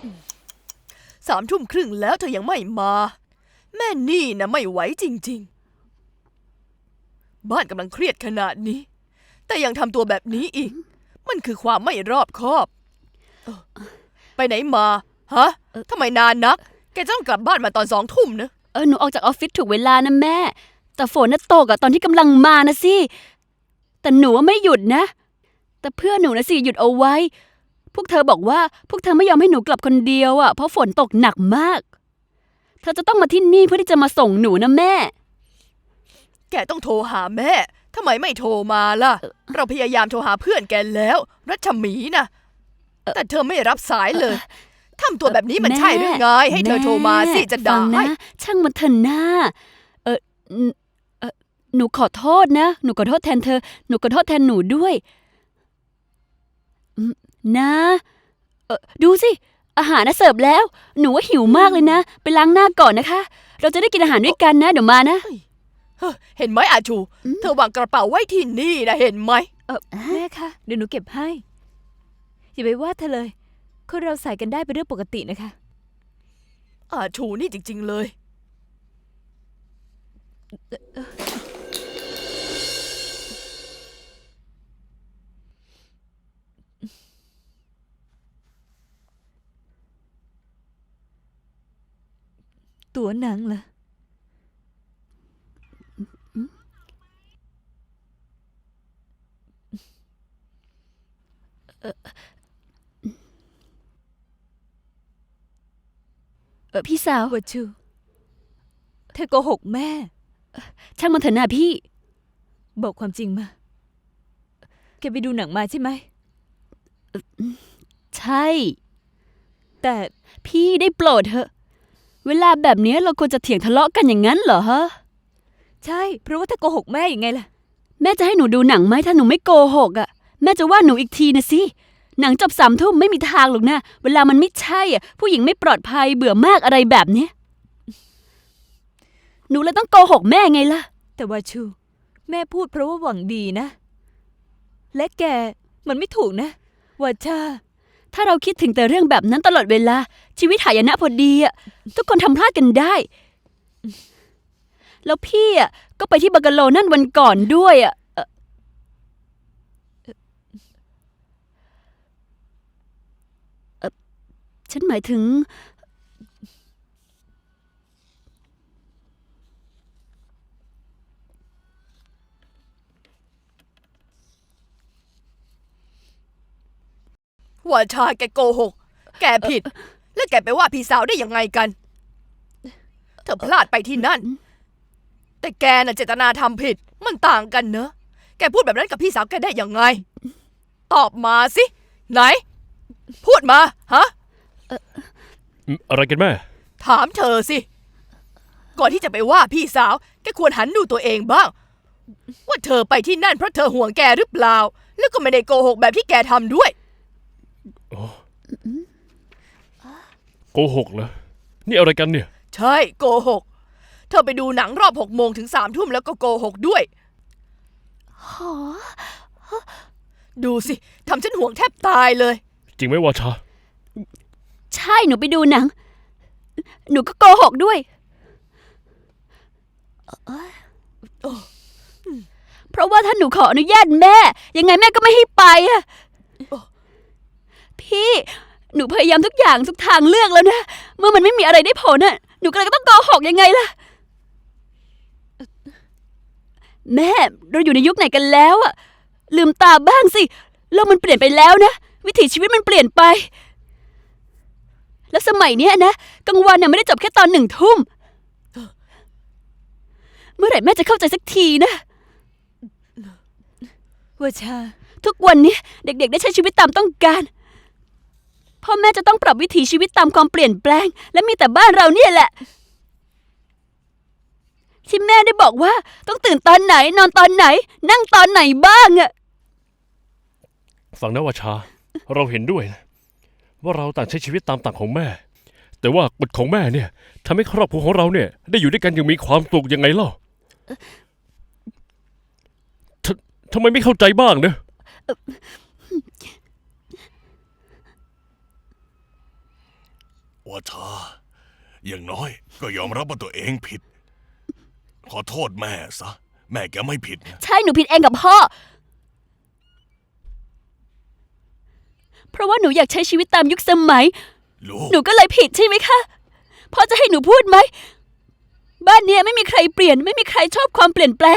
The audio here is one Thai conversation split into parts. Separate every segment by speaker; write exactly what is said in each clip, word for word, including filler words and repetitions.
Speaker 1: สามทุ่มครึ่งแล้วเธอยังไม่มาแม่นี่นะไม่ไหวจริงๆบ้านกำลังเครียดขนาดนี้แต่ยังทำตัวแบบนี้อีกมันคือความไม่รอบคอบไปไหนมาฮะทำไมนานนักแกต้องกลับบ้านมาตอนสองทุ่มนะ
Speaker 2: เออหนูออกจากออฟฟิศถูกเวลานะแม่แต่ฝนน่ะตกอะตอนที่กำลังมานะสิแต่หนูว่าไม่หยุดนะแต่เพื่อนหนูนะสิหยุดเอาไว้พวกเธอบอกว่าพวกเธอไม่ยอมให้หนูกลับคนเดียวอะเพราะฝนตกหนักมากเธอจะต้องมาที่นี่เพื่อที่จะมาส่งหนูนะแม่
Speaker 1: แกต้องโทรหาแม่ทำไมไม่โทรมาล่ะเราพยายามโทรหาเพื่อนแกแล้วรัชมีนะแต่เธอไม่รับสายเลยทำตัวแบบนี้มันใช่หรือไงให้เธอโทรมาสิจะได้
Speaker 2: ช่างมันเถอะนะเออเออหนูขอโทษนะหนูขอโทษแทนเธอหนูขอโทษแทนหนูด้วยนะเออดูสิอาหารน่ะเสิร์ฟแล้วหนูว่าหิวมากเลยนะไปล้างหน้าก่อนนะคะเราจะได้กินอาหารด้วยกันนะเดี๋ยวมานะ
Speaker 1: เห็นไหมอาชูเธอวางกระเป๋าไว้ที่นี่นะเห็นไหม
Speaker 3: เออแม่คะเดี๋ยวหนูเก็บให้อย่าไปว่าเธอเลยคนเราใส่กันได้เป็นเรื่องปกตินะคะ
Speaker 1: อาชูนี่จริงๆเลย
Speaker 3: ตัวหนังเหรอ
Speaker 2: เออเออพี่สาว
Speaker 3: วัชูเธอโกหกแม่
Speaker 2: ช่างมันเถอะนะพี่
Speaker 3: บอกความจริงมาแกไปดูหนังมาใช่ไหม
Speaker 2: ใช่
Speaker 3: แต่
Speaker 2: พี่ได้โปรดเถอะเวลาแบบนี้เราควรจะเถียงทะเลาะกันอย่างนั้นเหรอฮะ
Speaker 3: ใช่เพราะว่าถ้าโกหกแม่ยังไงล่ะ
Speaker 2: แม่จะให้หนูดูหนังไหมถ้าหนูไม่โกหกอ่ะแม่จะว่าหนูอีกทีนะสิหนังจบสามทุ่มไม่มีทางหรอกนะเวลามันไม่ใช่อ่ะผู้หญิงไม่ปลอดภัยเบื่อมากอะไรแบบนี้หนูเลยต้องโกหกแม่ไงล่ะ
Speaker 3: แต่ว่าชูแม่พูดเพราะว่าหวังดีนะและแกมันไม่ถูกนะว่าชา
Speaker 2: ถ้าเราคิดถึงแต่เรื่องแบบนั้นตลอดเวลาชีวิตหายนะพอดีอ่ะทุกคนทำพลาดกันได้แล้วพี่อ่ะก็ไปที่บังกะโลนั่นวันก่อนด้วยอ่ะฉันหมายถึง
Speaker 1: ว่าชาแกโกหกแกผิดแล้วแกไปว่าพี่สาวได้ยังไงกันเธอพลาดไปที่นั่นแต่แกน่ะเจตนาทำผิดมันต่างกันเนอะแกพูดแบบนั้นกับพี่สาวแกได้ยังไงตอบมาสิไหนพูดมาฮะ
Speaker 4: อะไรกันแม่
Speaker 1: ถามเธอสิก่อนที่จะไปว่าพี่สาวแกควรหันดูตัวเองบ้างว่าเธอไปที่นั่นเพราะเธอห่วงแกหรือเปล่าแล้วก็ไม่ได้โกหกแบบที่แกทำด้วย
Speaker 4: โกหกเหรอนี่อะไรกันเนี่ย
Speaker 1: ใช่โกหกเธอไปดูหนังรอบหกโมงถึงสามทุ่มแล้วก็โกหกด้วยดูสิทำฉันห่วงแทบตายเลย
Speaker 4: จริงไหมวาชา
Speaker 2: ใช่หนูไปดูหนังหนูก็โกหกด้วยเพราะว่าถ้าหนูขออนุญาตแม่ยังไงแม่ก็ไม่ให้ไปอะพี่หนูพยายามทุกอย่างทุกทางเลือกแล้วนะเมื่อมันไม่มีอะไรได้ผลน่ะหนูก็เลยต้องโกหกยังไงล่ะแม่เราอยู่ในยุคไหนกันแล้วอะลืมตาบ้างสิโลกมันเปลี่ยนไปแล้วนะวิถีชีวิตมันเปลี่ยนไปแล้วสมัยเนี้ยนะกลางวันน่ะไม่ได้จบแค่ตอนหนึ่งทุ่มเมื่อไหร่แม่จะเข้าใจสักทีนะ
Speaker 3: ว่าชา
Speaker 2: ทุกวันนี้เด็กๆได้ใช้ชีวิตตามต้องการพ่อแม่จะต้องปรับวิถีชีวิตตามความเปลี่ยนแปลงและมีแต่บ้านเราเนี่ยแหละที่แม่ได้บอกว่าต้องตื่นตอนไหนนอนตอนไหนนั่งตอนไหนบ้างอะ
Speaker 4: ฟังนะวาชาเราเห็นด้วยนะว่าเราต่างใช้ชีวิตตามต่างของแม่แต่ว่ากฎของแม่เนี่ยทำให้ครอบครัวของเราเนี่ยได้อยู่ด้วยกันอย่างมีความสุขยังไงเล่าทำไมไม่เข้าใจบ้างเนอะ
Speaker 5: วชา อย่างน้อยก็ยอมรับว่าตัวเองผิด ขอโทษแม่ซะ แม่แกไม่ผิดนะ
Speaker 2: ใช่หนูผิดเองกับพ่อ เพราะว่าหนูอยากใช้ชีวิตตามยุคสมัย
Speaker 5: ลูก
Speaker 2: หนูก็เลยผิดใช่ไหมคะ พ่อจะให้หนูพูดไหม บ้านเนี้ยไม่มีใครเปลี่ยน ไม่มีใครชอบความเปลี่ยนแปลง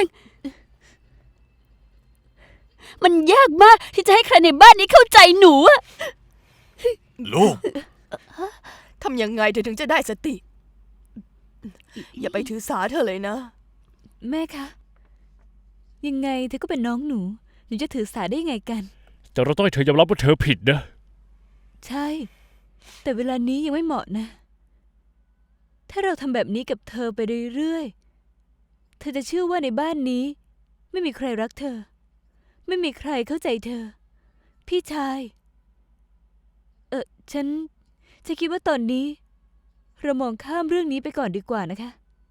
Speaker 2: มันยากมากที่จะให้ใครในบ้านนี้เข้าใจหนูอะ
Speaker 5: ลูก
Speaker 1: ทำยังไงเธอถึงจะได้สติ อย่าไปถือสาเธอเลยนะ
Speaker 3: แม่คะ ยังไงเธอก็เป็นน้องหนู หนูจะถือสาได้ยังไงกัน
Speaker 4: แต่เราต้องให้เธอยอมรับว่าเธอผิดนะ
Speaker 3: ใช่ แต่เวลานี้ยังไม่เหมาะนะ ถ้าเราทำแบบนี้กับเธอไปเรื่อยๆ เธอจะเชื่อว่าในบ้านนี้ ไม่มีใครรักเธอ ไม่มีใครเข้าใจเธอ พี่ชาย เออฉันฉันคิดว่าตอนนี้ เรามองข้ามเรื่องนี้ไปก่อนดีกว่านะคะ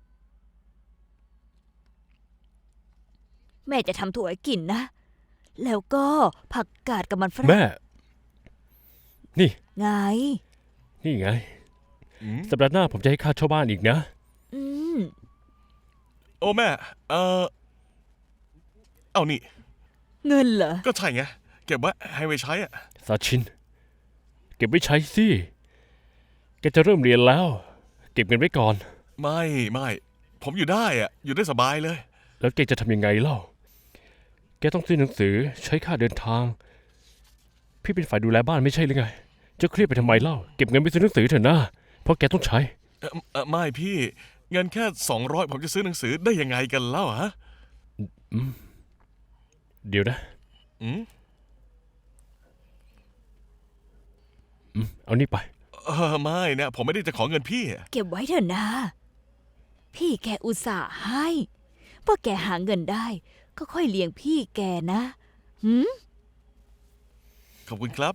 Speaker 3: แม่จะทำถั่วให้กินนะ แล้วก็ผักกาดกับมันฝรั่ง
Speaker 4: แม่ นี่
Speaker 3: ไง
Speaker 4: นี่ไง
Speaker 5: อืม
Speaker 4: สัปดาห์หน้าผมจะให้ค่าเช่าบ้านอีกนะ
Speaker 3: อืม
Speaker 5: โอ้แม่ เออเอานี่
Speaker 3: เงินเหรอ
Speaker 5: ก็ใช่ไง เก็บไว้ให้ไว้ใช้อะ
Speaker 4: ซาชิน เก็บไว้ใช้สิ แกจะเริ่มเรียนแล้ว เก็บเงินไว้ก่อน
Speaker 5: ไม่ไม่ ผมอยู่ได้อะอยู่ได้สบายเลย
Speaker 4: แล้วแกจะทำยังไงเล่า แกต้องซื้อหนังสือใช้ค่าเดินทาง พี่เป็นฝ่ายดูแลบ้านไม่ใช่หรือไง จะเครียดไปทำไมเล่า เก็บเงินไปซื้อหนังสือเถอะนะ เพราะแกต้องใช้
Speaker 5: เอ่อเอ่อไม่พี่ เงินแค่สองร้อยผมจะซื้อหนังสือได้ยังไงกันเล่าฮะ
Speaker 4: เดี๋ยวนะ
Speaker 5: อืม
Speaker 4: อืมเอานี่ไป
Speaker 5: เออไม่นะผมไม่ได้จะขอเงินพี่อะ
Speaker 3: เก็บไว้เถอะนะ พี่แกอุตส่าห์ให้พอแกหาเงินได้ ก็ค่อยเลี้ยงพี่แกนะหืม
Speaker 5: ขอบคุณครับ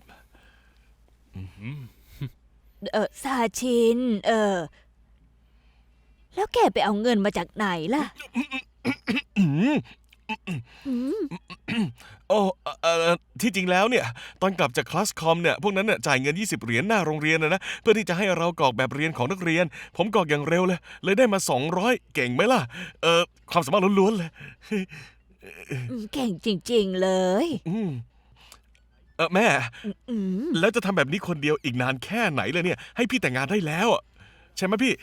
Speaker 3: เออซาชิน เออ แล้วแกไปเอาเงินมาจากไหนล่ะ
Speaker 5: โอ้เอ่อเอ่อที่จริงแล้วเนี่ย ตอนกลับจากคลาสคอมเนี่ย พวกนั้นเนี่ยจ่ายเงิน ยี่สิบ เหรียญหน้าโรงเรียนนะนะ เพื่อที่จะให้เรากรอกแบบเรียนของนักเรียน ผมกรอกอย่างเร็วเลย เลยได้มา สองร้อย เก่งไหมล่ะ เออความสามารถล้วนๆเลย
Speaker 3: อืมเก่งจริง ๆ เลย
Speaker 5: อืมเออแม่
Speaker 3: อืม
Speaker 5: แล้วจะทำแบบนี้คนเดียวอีกนานแค่ไหนเลยเนี่ย ให้พี่แต่งงานได้แล้วอะใช่ไหมพี่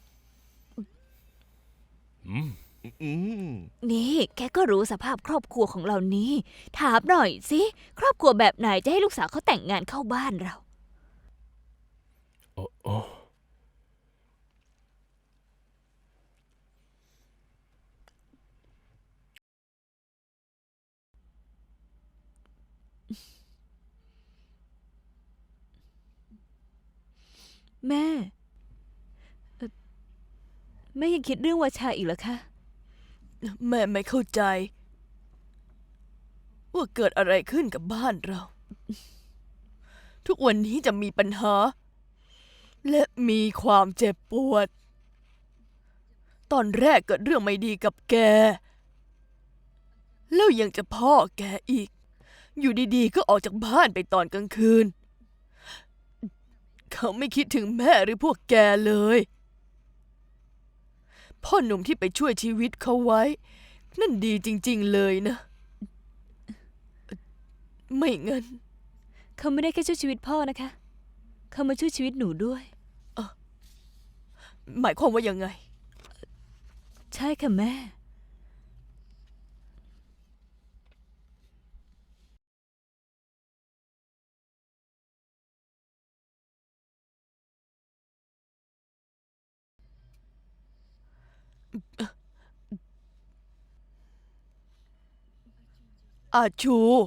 Speaker 4: อืม
Speaker 5: อืม
Speaker 3: นี่แกก็รู้สภาพครอบครัวของเรานี้ ถามหน่อยสิ ครอบครัวแบบไหนจะให้ลูกสาวเขาแต่งงานเข้าบ้านเรา
Speaker 4: โอ้โอ้
Speaker 3: แม่เอ่อแม่ยังคิดเรื่องวาชาอีกเหรอคะ
Speaker 1: แม่ไม่เข้าใจ ว่าเกิดอะไรขึ้นกับบ้านเรา ทุกวันนี้จะมีปัญหา และมีความเจ็บปวด ตอนแรกเกิดเรื่องไม่ดีกับแก แล้วยังจะพ่อแกอีก อยู่ดีๆ ก็ออกจากบ้านไปตอนกลางคืน เขาไม่คิดถึงแม่หรือพวกแกเลย พ่อหนุ่มที่ไปช่วยชีวิตเขาไว้ นั่นดีจริง ๆ เลยนะ ไม่งั้น
Speaker 3: เขาไม่ได้แค่ช่วยชีวิตพ่อนะคะ เขามาช่วยชีวิตหนูด้วย
Speaker 1: หมายความว่ายังไง
Speaker 3: ใช่ค่ะแม่
Speaker 1: อาชู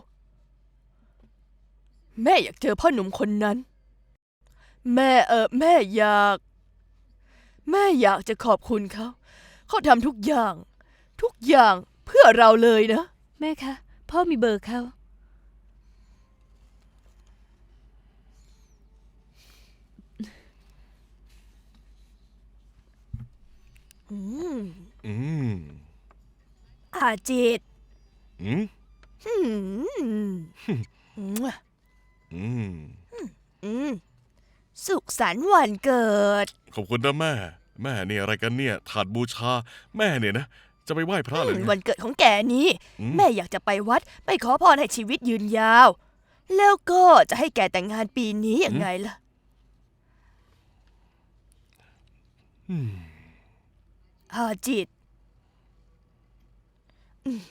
Speaker 1: แม่อยากเจอพ่อหนุ่มคนนั้น แม่เออแม่อยาก แม่อยากจะขอบคุณเขา เขาทำทุกอย่าง ทุกอย่างเพื่อเราเลยนะ
Speaker 3: แม่คะ พ่อมีเบอร์เขา
Speaker 1: อืม
Speaker 5: อืม
Speaker 1: อาจิต
Speaker 5: อืม
Speaker 1: อืม
Speaker 5: อืม
Speaker 1: อืมสุขสันต์วันเกิด
Speaker 5: ขอบคุณนะแม่ แม่เนี่ยอะไรกันเนี่ย ถาดบูชา แม่เนี่ยนะ จะไปไหว้พระเลย
Speaker 1: อืม
Speaker 5: ไง
Speaker 1: วันเกิดของแกนี้
Speaker 5: อืม
Speaker 1: แม่อยากจะไปวัดไปขอพรให้ชีวิตยืนยาว แล้วก็จะให้แกแต่งงานปีนี้ยังไงล่ะ
Speaker 5: อืม
Speaker 1: ฮาจิตอืม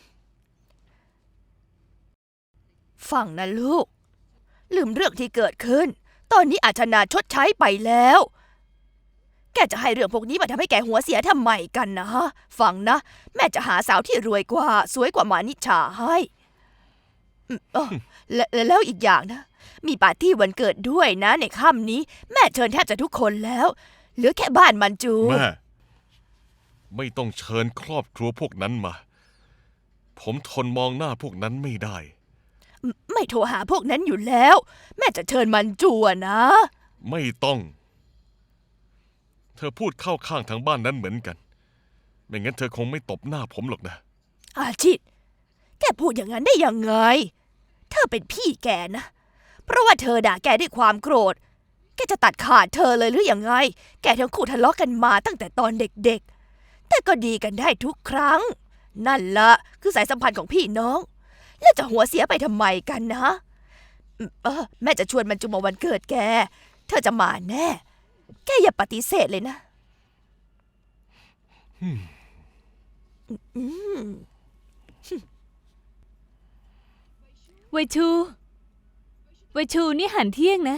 Speaker 1: ฟังนะลูก ลืมเรื่องที่เกิดขึ้น ตอนนี้อาชนาชดใช้ไปแล้ว แกจะให้เรื่องพวกนี้มาทำให้แกหัวเสียทำไมกันนะฮะ ฟังนะ แม่จะหาสาวที่รวยกว่า สวยกว่ามานิชาให้อืมอ้อและและแล้วอีกอย่างนะ มีปาร์ตี้วันเกิดด้วยนะในค่ำนี้ แม่เชิญแทบจะทุกคนแล้ว เหลือแค่บ้านมันจู
Speaker 5: แม่ ไม่ต้องเชิญครอบครัวพวกนั้นมา ผมทนมองหน้าพวกนั้นไม่ได้
Speaker 1: ไม่โทรหาพวกนั้นอยู่แล้ว แม่จะเชิญมันจูอะนะ
Speaker 5: ไม่ต้อง เธอพูดเข้าข้างทางบ้านนั้นเหมือนกัน ไม่งั้นเธอคงไม่ตบหน้าผมหรอกนะ
Speaker 1: อาชิต แกพูดอย่างนั้นได้ยังไง เธอเป็นพี่แกนะ เพราะว่าเธอด่าแกด้วยความโกรธ แกจะตัดขาดเธอเลยหรือยังไง แกทั้งคู่ทะเลาะกันมาตั้งแต่ตอนเด็กๆ แต่ก็ดีกันได้ทุกครั้ง นั่นละคือสายสัมพันธ์ของพี่น้อง แล้วจะหัวเสียไปทำไมกันนะอืมเออแม่จะชวนมันจูมาวันเกิดแก เธอจะมาแน่ แกอย่าปฏิเสธเลยนะอืม
Speaker 3: ไวชู ไวชูนี่หันเที่ยงนะ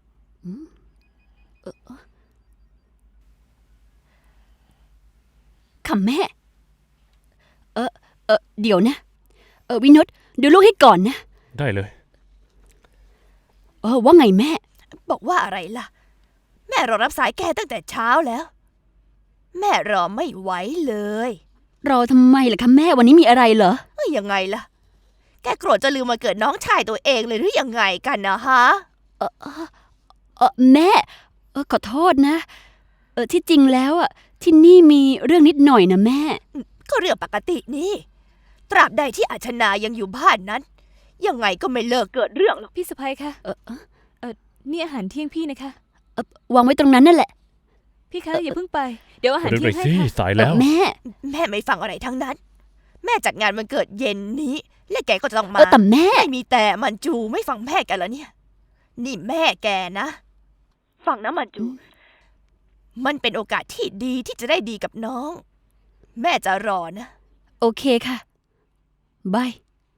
Speaker 2: ค่ะแม่ เออเออเดี๋ยวนะ เออวินดดูลูกให้ก่อนนะ
Speaker 4: ได้เลย
Speaker 2: เออว่าไงแม่
Speaker 1: บอกว่าอะไรล่ะ แม่รอรับสายแกตั้งแต่เช้าแล้ว แม่รอไม่ไหวเลย
Speaker 2: รอทำไมล่ะคะแม่วันนี้มีอะไรเหรอ
Speaker 1: เอ้ยยังไงล่ะ แกโกรธจะลืมมาเกิดน้องชายตัวเองเลยหรือยังไงกันนะฮะ
Speaker 2: เออแม่ เออขอโทษนะ เออที่จริงแล้วอ่ะที่นี่มีเรื่องนิดหน่อยนะแม่
Speaker 1: ก็เรื่องปกตินี่ ตราบใดที่อาชนายังอยู่บ้านนั้น ยังไงก็ไม่เลิกเกิดเรื่องหรอก
Speaker 3: พี่สะพ้ยคะ
Speaker 2: เออเออ
Speaker 3: เออนี่อาหารเที่ยงพี่นะคะ
Speaker 2: เออวางไว้ตรงนั้นนั่นแหละ
Speaker 3: พี่คะอย่าเพิ่งไป เดี๋ยวอาหาร
Speaker 4: เร็ว
Speaker 3: เที่
Speaker 4: ห
Speaker 3: ย
Speaker 4: น่
Speaker 3: ง
Speaker 4: อย
Speaker 3: ให้
Speaker 4: สิ
Speaker 3: ค่ะ
Speaker 4: สายแล้ว
Speaker 2: แม่
Speaker 1: แม่ไม่ฟังอะไรทั้งนั้น แม่จัดงานวันเกิดเย็นนี้ และแกก็จะต้อง
Speaker 2: เอ
Speaker 1: มา
Speaker 2: อแต่แม่
Speaker 1: ไม่มีแต่มันจูไม่ฟังแม่แกแล้วเนี่ย นี่แม่แกนะ ฟังนะมันจู มันเป็นโอกาสที่ดีที่จะได้ดีกับน้อง แม่จะรอนะ
Speaker 2: โอเคค่ะบาย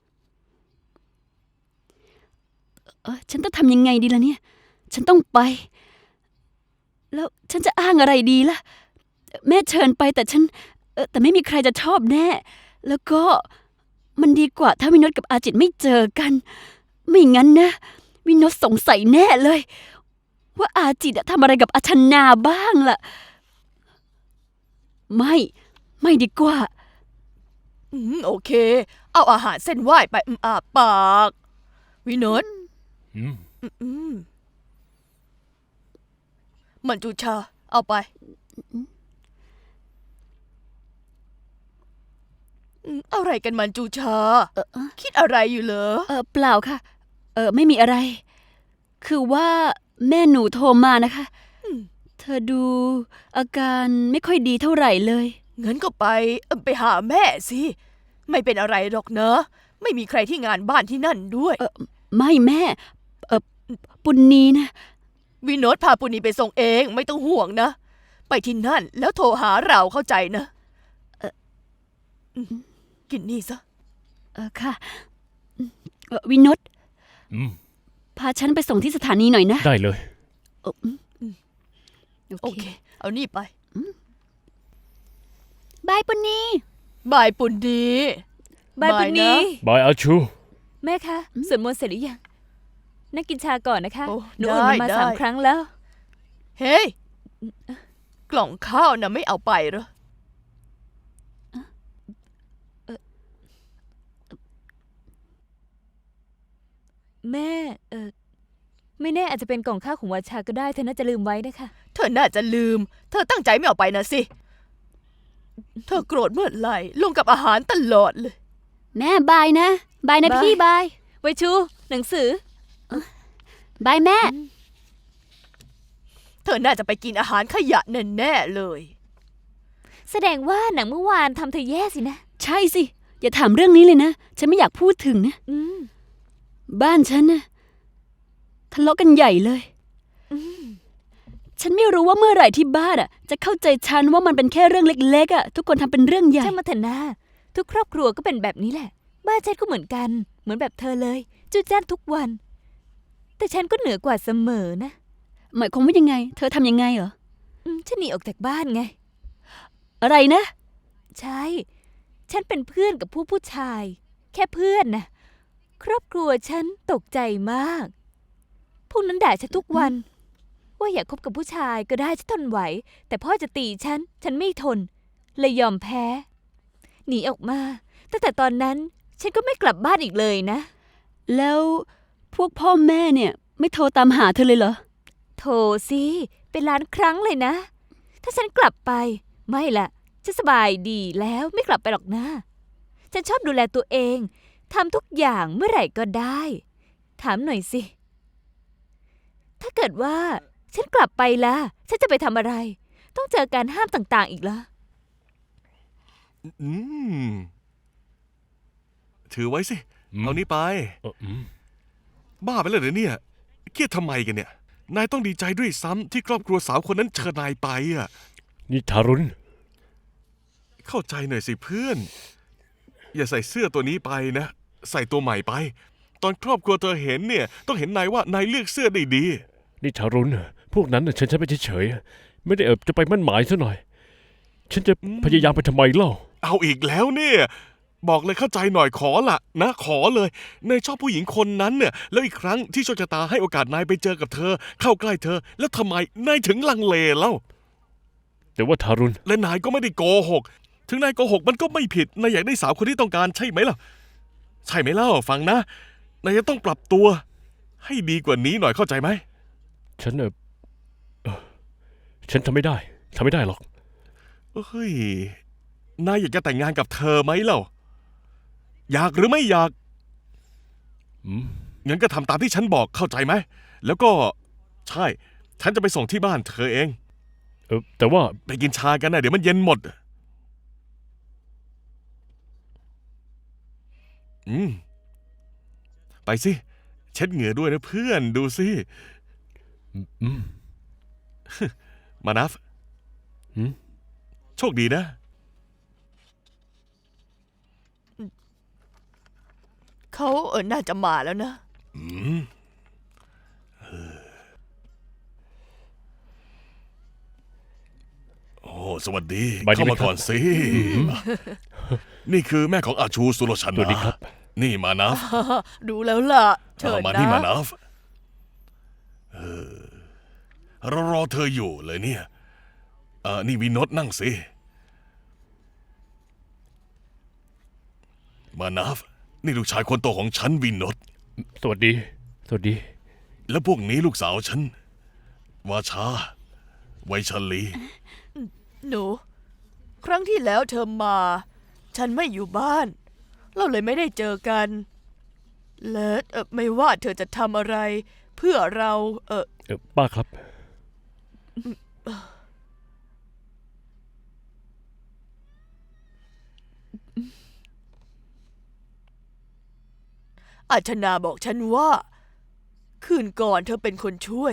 Speaker 2: เออฉันต้องทำยังไงดีล่ะเนี่ย ฉันต้องไป แล้วฉันจะอ้างอะไรดีล่ะ แม่เชิญไปแต่ฉันเออแต่ไม่มีใครจะชอบแน่ แล้วก็มันดีกว่าถ้าวินดกับอาจิตไม่เจอกัน ไม่งั้นนะ วินดสงสัยแน่เลย ว่าอาจิตอะทำอะไรกับอาชนาบ้างล่ะ ไม่ ไม่ดีกว่า
Speaker 1: อืมโอเค เอาอาหารเส้นไหว้ไปอืมอาปาก วินด
Speaker 4: อืม
Speaker 1: อืมอืมมันจูชา เอาไปอืมอะไรกันมันจูชา
Speaker 2: เออเออ
Speaker 1: คิดอะไรอยู่เหรอ
Speaker 2: เออเปล่าค่ะ เออไม่มีอะไร คือว่าแม่หนูโทรมานะคะ
Speaker 1: อืม
Speaker 2: เธอดูอาการไม่ค่อยดีเท่าไหร่เลย
Speaker 1: งั้นก็ไปเอิ่มไปหาแม่สิ ไม่เป็นอะไรหรอกเนอะ ไม่มีใครที่งานบ้านที่นั่นด้วย
Speaker 2: เออไม่แม่ เออปุณนีนะ
Speaker 1: วิโนตพาปุณีไปส่งเองไม่ต้องห่วงนะ ไปที่นั่นแล้วโทรหาเราเข้าใจนะเอออืมกินนี่ซะ
Speaker 2: เออค่ะเออวินด
Speaker 4: อืม
Speaker 2: พาฉันไปส่งที่สถานีหน่อยนะ
Speaker 4: ได้เลย
Speaker 2: เอออืม
Speaker 1: โอเค เอานี่ไป
Speaker 2: บายปุณนี
Speaker 1: บายปุณดี
Speaker 3: บายปุณ
Speaker 1: บาย
Speaker 3: นี
Speaker 1: นะ
Speaker 4: บายอาชู
Speaker 3: แม่คะสวดมนต์เสร็จหรือยัง นั่งกินชาก่อนนะคะ
Speaker 1: โอ้
Speaker 3: หนูอุ่นมันมา
Speaker 1: ได้
Speaker 3: สาม
Speaker 1: ได้
Speaker 3: ครั้งแล้ว
Speaker 1: เฮ้ย กล่องข้าวนะไม่เอาไปเหรอ
Speaker 3: แม่ เออไม่แน่อาจจะเป็นกล่องข้าวของวาชาก็ได้เธอน่าจะลืมไว้นะคะ
Speaker 1: เธอน่าจะลืม เธอตั้งใจไม่เอาไปนะสิ เธอโกรธเมื่อไหร่ลงกับอาหารตลอดเลย
Speaker 2: แม่บายนะ บายนะ
Speaker 3: บาย
Speaker 2: พี่บาย
Speaker 3: ไวชู หนังสือ
Speaker 2: บายแม่
Speaker 1: เธอน่าจะไปกินอาหารขยะแน่ๆเลย
Speaker 3: แสดงว่าหนังเมื่อวานทำเธอแย่สินะ
Speaker 2: ใช่สิ อย่าถามเรื่องนี้เลยนะ ฉันไม่อยากพูดถึงนะ
Speaker 3: อืม
Speaker 2: บ้านฉันนะทะเลาะกันใหญ่เลย ฉันไม่รู้ว่าเมื่อไหร่ที่บ้านอ่ะ จะเข้าใจฉันว่ามันเป็นแค่เรื่องเล็กๆอ่ะ ทุกคนทำเป็นเรื่องใหญ่
Speaker 3: ช่างมาเถอะนะทุกครอบครัวก็เป็นแบบนี้แหละ บ้านฉันก็เหมือนกัน เหมือนแบบเธอเลยจุดจ้านทุกวัน แต่ฉันก็เหนือกว่าเสมอนะ
Speaker 2: หมายความว่ายังไง เธอทำยังไงเหรอ
Speaker 3: อืมฉันหนีออกจากบ้านไง
Speaker 2: อะไรนะ
Speaker 3: ใช่ ฉันเป็นเพื่อนกับผู้ผู้ชาย แค่เพื่อนนะครอบครัวฉันตกใจมาก พวกนั้นด่าฉันทุกวัน ว่าอยากคบกับผู้ชายก็ได้ฉันทนไหว แต่พ่อจะตีฉัน ฉันไม่ทน เลยยอมแพ้ หนีออกมา ตั้งแต่ตอนนั้นฉันก็ไม่กลับบ้านอีกเลยนะ
Speaker 2: แล้วพวกพ่อแม่เนี่ย ไม่โทรตามหาเธอเลยเหรอ
Speaker 3: โถสิเป็นล้านครั้งเลยนะ ถ้าฉันกลับไป ไม่ละฉันสบายดีแล้วไม่กลับไปหรอกนะ ฉันชอบดูแลตัวเองทำทุกอย่างเมื่อไหร่ก็ได้ ถามหน่อยสิ ถ้าเกิดว่า ฉันกลับไปล่ะ ฉันจะไปทำอะไร ต้องเจอการห้ามต่างๆอีกเหรอ
Speaker 5: อืม ถือไว้สิ
Speaker 4: อืม
Speaker 5: เอานี้ไป
Speaker 4: เอออืม
Speaker 5: บ้าไปเลยเหรอเนี่ย เครียดทำไมกันเนี่ย นายต้องดีใจด้วยซ้ำที่ครอบครัวสาวคนนั้นเชิญนายไปอ่ะ
Speaker 4: นี่ทารุณ
Speaker 5: เข้าใจหน่อยสิเพื่อน อย่าใส่เสื้อตัวนี้ไปนะ ใส่ตัวใหม่ไป ตอนครอบครัวเธอเห็นเนี่ย ต้องเห็นนายว่านายเลือกเสื้อได้ดี
Speaker 4: นี่ทารุณพวกนั้นน่ะฉันใช้ไปเฉยๆไม่ได้เอบจะไปมั่นหมายซะหน่อย ฉันจะพยายามไปทำไมเล่า
Speaker 5: เอาอีกแล้วเนี่ย บอกเลยเข้าใจหน่อยขอละนะ ขอเลยนายชอบผู้หญิงคนนั้นเนี่ย แล้วอีกครั้งที่โชคชะตาให้โอกาสนายไปเจอกับเธอ เข้าใกล้เธอ แล้วทำไมนายถึงลังเลเล่า
Speaker 4: แต่ว่าทารุณ
Speaker 5: และนายก็ไม่ได้โกหก ถึงนายโกหกมันก็ไม่ผิด นายอยากได้สาวคนที่ต้องการใช่ไหมล่ะ ใช่ไหมเล่า ฟังนะ นายจะต้องปรับตัว ให้ดีกว่านี้หน่อยเข้าใจไหม
Speaker 4: ฉันเออเอ่อฉันทำไม่ได้ทำไม่ได้หรอก
Speaker 5: เฮ้ย นายอยากจะแต่งงานกับเธอไหมเล่า อยากหรือไม่อยาก
Speaker 4: อืม
Speaker 5: งั้นก็ทำตามที่ฉันบอกเข้าใจไหม แล้วก็ใช่ ฉันจะไปส่งที่บ้านเธอเอง
Speaker 4: เออแต่ว่า
Speaker 5: ไปกินชากันนะเดี๋ยวมันเย็นหมด อืม ไปสิ เช็ดเหงื่อด้วยนะเพื่อนดูสิ
Speaker 4: อืม
Speaker 5: มานัฟ
Speaker 4: หืม
Speaker 5: โชคดีนะ
Speaker 1: เขาเออน่าจะมาแล้วนะ
Speaker 5: อืมโอ้สวัสดี
Speaker 4: สบายดี
Speaker 5: เข้า
Speaker 4: ไหม
Speaker 5: มา
Speaker 4: ครับ
Speaker 5: ก่อนสิ นี่คือแม่ของอาชูสุรชัน
Speaker 4: สวัสดีครับ
Speaker 5: นี่มานัฟ
Speaker 1: ดูแล้วล่ะ เชิญ
Speaker 5: เอามา
Speaker 1: นะ
Speaker 5: นี่มานัฟเออเรารอเธออยู่เลยเนี่ยเออนี่วินโนตนั่งสิ มานัฟ นี่ลูกชายคนโตของฉันวินโนต
Speaker 4: สวัสดี สวัสดี
Speaker 5: แล้วพวกนี้ลูกสาวฉัน วาชา ไวชลี
Speaker 1: หนู ครั้งที่แล้วเธอมา ฉันไม่อยู่บ้าน เราเลยไม่ได้เจอกัน และเอ่อไม่ว่าเธอจะทำอะไร เพื่อเราเออ
Speaker 4: เออป้าครับ
Speaker 1: อาชนาบอกฉันว่า คืนก่อนเธอเป็นคนช่วย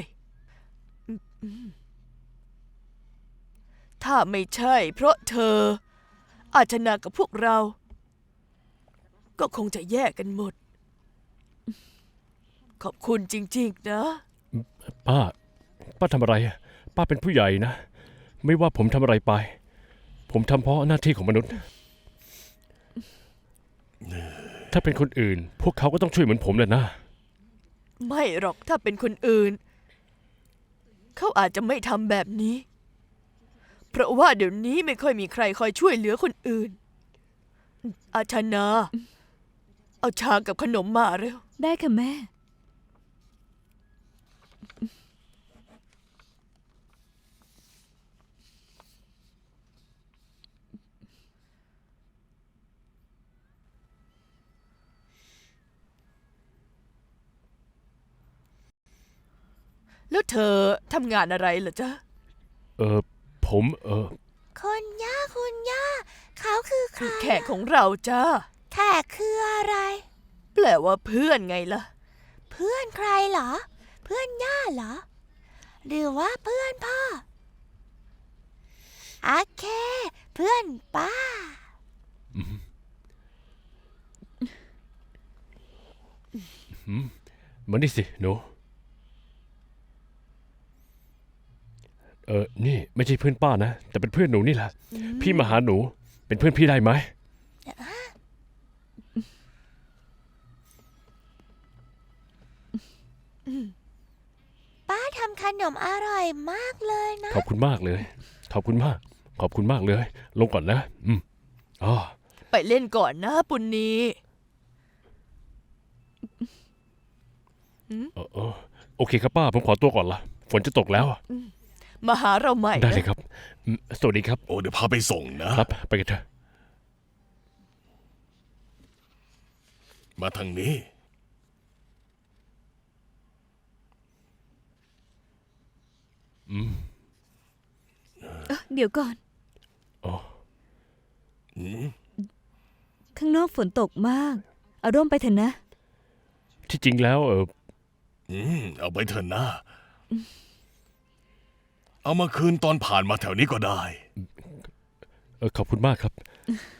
Speaker 1: ถ้าไม่ใช่ เพราะเธอ อาชนากับพวกเรา ก็คงจะแยกกันหมด ขอบคุณจริงๆนะ
Speaker 4: ป้า ป้าทำอะไรอะป้าเป็นผู้ใหญ่นะ ไม่ว่าผมทำอะไรไป ผมทำเพราะหน้าที่ของมนุษย์ ถ้าเป็นคนอื่น พวกเขาก็ต้องช่วยเหมือนผมแหละนะ
Speaker 1: ไม่หรอกถ้าเป็นคนอื่น เขาอาจจะไม่ทำแบบนี้ เพราะว่าเดี๋ยวนี้ไม่ค่อยมีใครคอยช่วยเหลือคนอื่น อาชนา เอาชากับขนมมาเร็ว
Speaker 3: ได้ค่ะแม่
Speaker 1: แล้วแล้วเธอทำงานอะไรเหรอจ๊ะ
Speaker 4: เออผมเออ
Speaker 6: คุณย่าคุณย่า เขาคือใคร
Speaker 1: แขกของเราจ้า
Speaker 6: แขกคืออะไร
Speaker 1: แปลว่าเพื่อนไงล่ะ
Speaker 6: เพื่อนใครเหรอ เพื่อนย่าเหรอ หรือว่าเพื่อนพ่อโอเค เพื่อนป้า
Speaker 4: มานี่สิหนูเออนี่ไม่ใช่เพื่อนป้านะแต่เป็นเพื่อนหนูนี่แหละพี่มาหาหนูเป็นเพื่อนพี่ได้ไหม
Speaker 6: ป้าทำขนมอร่อยมากเลยนะ
Speaker 4: ขอบคุณมากเลย ขอบคุณมาก ขอบคุณมากเลย ลงก่อนนะ อืมอ๋อ
Speaker 1: ไปเล่นก่อนนะปุณณี
Speaker 4: เออเออโอเคครับป้าผมขอตัวก่อนละฝนจะตกแล้วอะ
Speaker 1: มาหาเราใหม่
Speaker 4: ได้
Speaker 1: นะ
Speaker 4: เลยครับอืมสวัสดีครับ
Speaker 5: โอ้เดี๋ยวพาไปส่งนะ
Speaker 4: ครับ ไปกันเถอะ
Speaker 5: มาทางนี้
Speaker 3: เดี๋ยวก่อน
Speaker 4: อ๋อ
Speaker 5: อืม
Speaker 3: ข้างนอกฝนตกมาก เอาร่มไปเถอะนะ
Speaker 4: ที่จริงแล้วเออ
Speaker 5: อืมเอาไปเถอะนะ เอามาคืนตอนผ่านมาแถวนี้ก็ได้
Speaker 4: เออขอบคุณมากครับ